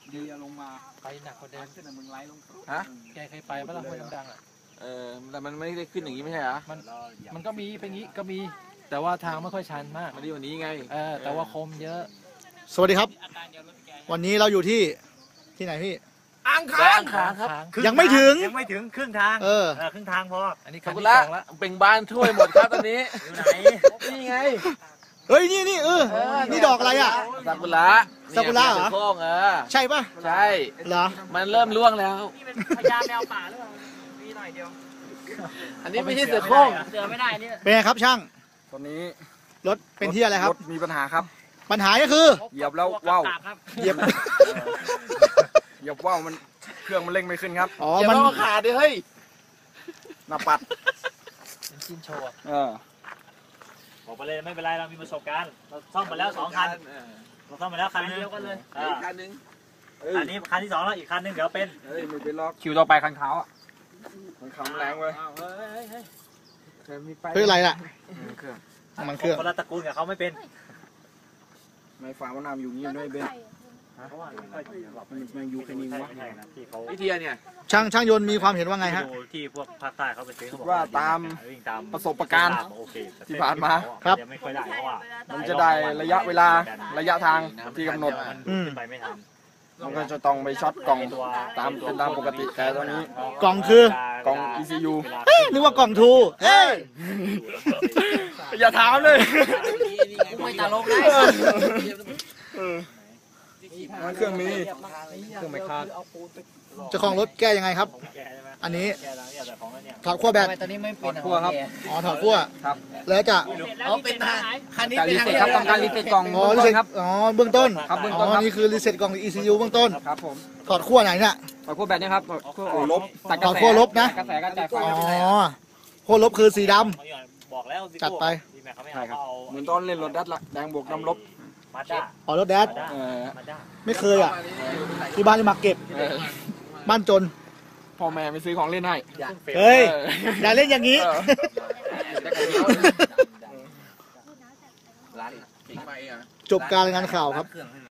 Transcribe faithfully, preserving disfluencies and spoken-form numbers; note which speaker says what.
Speaker 1: ดีลงมา
Speaker 2: ไปหนักกว่าเดิมขึ้นมึงไล่ลง
Speaker 3: ฮะ
Speaker 2: แกเคยไปปะล่ะห้วยดังๆอ่ะ
Speaker 3: เออแต่มันไม่ได้ขึ้นอย่างนี้ไม่ใช่เหรอ
Speaker 2: มันมันก็มีเป็นงี้ก็มีแต่ว่าทางไม่ค่อยชันมาก
Speaker 3: มันดีกว่านี้ไง
Speaker 2: เออแต่ว่าคมเยอะ
Speaker 4: สวัสดีครับวันนี้เราอยู่ที่ที่ไหนพี่
Speaker 3: อ่างค้างครับ
Speaker 4: ยังไม่ถึง
Speaker 1: ยังไม่ถึงครึ่งทาง
Speaker 4: เออ
Speaker 1: ครึ่งทางพอ
Speaker 2: อันนี้
Speaker 3: คันที่สองแล้วเป็นบ้านถ้วยหมดครับตอนนี้
Speaker 1: อยู่ไหน
Speaker 3: นี่ไง
Speaker 4: เฮ้ยนี่นี่เออนี่ดอกอะไรอ่ะ
Speaker 3: ซากุระ
Speaker 4: ซากุระเหรอ
Speaker 3: เออ
Speaker 4: ใช่ป่ะ
Speaker 3: ใช่
Speaker 4: เหรอ
Speaker 3: มันเริ่มร่วงแล้ว
Speaker 1: นี่เป็นพญาแมวป่าหรือเปล่ามีหน่อยเดียว
Speaker 3: อันนี้ไม่ใช่เสือโคร่ง
Speaker 1: เสือไม่ได้นี่
Speaker 4: เป็นไงครับช่าง
Speaker 3: ตอนนี้
Speaker 4: รถเป็นที่อะไรครับ
Speaker 3: รถมีปัญหาครับ
Speaker 4: ปัญหาก็คือ
Speaker 3: เหยียบแล้วว้าว
Speaker 4: เหยียบ
Speaker 3: เหยียบว้าวมันเครื่องมันเร่งไม่ขึ้นครับ
Speaker 4: อ๋อมัน
Speaker 3: ขาดดิเฮ้ยหน้าปัด
Speaker 2: เป็นชิ้นโชว์
Speaker 3: เออ
Speaker 1: บอกไปเลยไม่เป็นไรเรามีประสบการณ์เราซ่อมมาแล้วสองคันเราซ่อมมาแล้วคันเดียวกันเลย
Speaker 3: คันนึง
Speaker 1: อันนี้คันที่สองแล้วอีกคันนึงเดี๋ยวเป็น
Speaker 3: เฮ้ยไม่เป็นล็อกคิวต่อไปคันเขาอ่ะมันเขาแรงเว้ย
Speaker 4: เพื่ออะไรล่ะ
Speaker 3: เครื่อง
Speaker 4: มันเครื่อง
Speaker 1: คนละตระกูลกับเขาไม่เป็น
Speaker 3: ไม่ฟังว่านำอยู่นี่ด้วยเบนเพราะว่ามันอยู่แค่นี้วะวิธีเนี่ย
Speaker 4: ช่างช่างยนต์มีความเห็นว่าไงฮะ
Speaker 1: ที่พวกภาคใต้เขาไปซื้อ
Speaker 3: ว่าตามประสบการณ์ที่ผ่านมา
Speaker 4: ครับ
Speaker 1: ไม่ค่อยได้เพราะว่า
Speaker 3: มันจะได้ระยะเวลาระยะทางที่กำหนด
Speaker 1: ไปไม่ทัน
Speaker 3: มันก็จะต้องไปช็อตกล่องตามเป็นตามปกติแต่ตอนนี้
Speaker 4: กล่องคือก
Speaker 3: ล่อง อี ซี ยู
Speaker 4: นึกว่ากล่องทูเฮ้ย
Speaker 3: อย่าถามเลย
Speaker 1: ไม่ตลกเลย
Speaker 3: เครื่องมีเครื่องไม่คาด
Speaker 4: เจ้าของรถแก้ยังไงครับอันนี้ถอดขั้วแบต
Speaker 2: ตอนนี้ไม่เป็น
Speaker 3: ขั้วครับ
Speaker 4: อ๋อถอดขั้ว
Speaker 3: ครับ
Speaker 4: แล้วจะ
Speaker 2: อ๋อเป็นคันนี้
Speaker 3: เป็นรีเซ็ตครับต้องการรีเซ็ตกล่อง
Speaker 4: อ๋อรีเซ็ตครับอ๋อเบื้องต้น
Speaker 3: ครับเบื้อง
Speaker 4: ต้นอ๋อนี่คือรีเซ็ตกล่อง อี ซี ยู เบื้องต้น
Speaker 3: ครับผม
Speaker 4: ถอดขั้วไหนเนี่ย
Speaker 3: ถอดขั้วแบตเนี่ยครับขั้วลบ
Speaker 4: ถอดขั้วลบนะ
Speaker 3: กระแสกระจายไฟ
Speaker 4: อ๋อขั้วลบคือสีด
Speaker 1: ำ
Speaker 4: จัดไป
Speaker 3: ใช่ครับเหมือนตอนเล่นรถดัดละแดงบวกน้ำลบ
Speaker 4: อ๋อรถแดดไม่เคยอ่ะที่บ้านจะมาเก็บบ้านจน
Speaker 3: พ่อแม่ไม่ซื้อของเล่นให้
Speaker 4: เฮ้ยอย่าเล่นอย่างนี้จบการรายงานข่าวครับ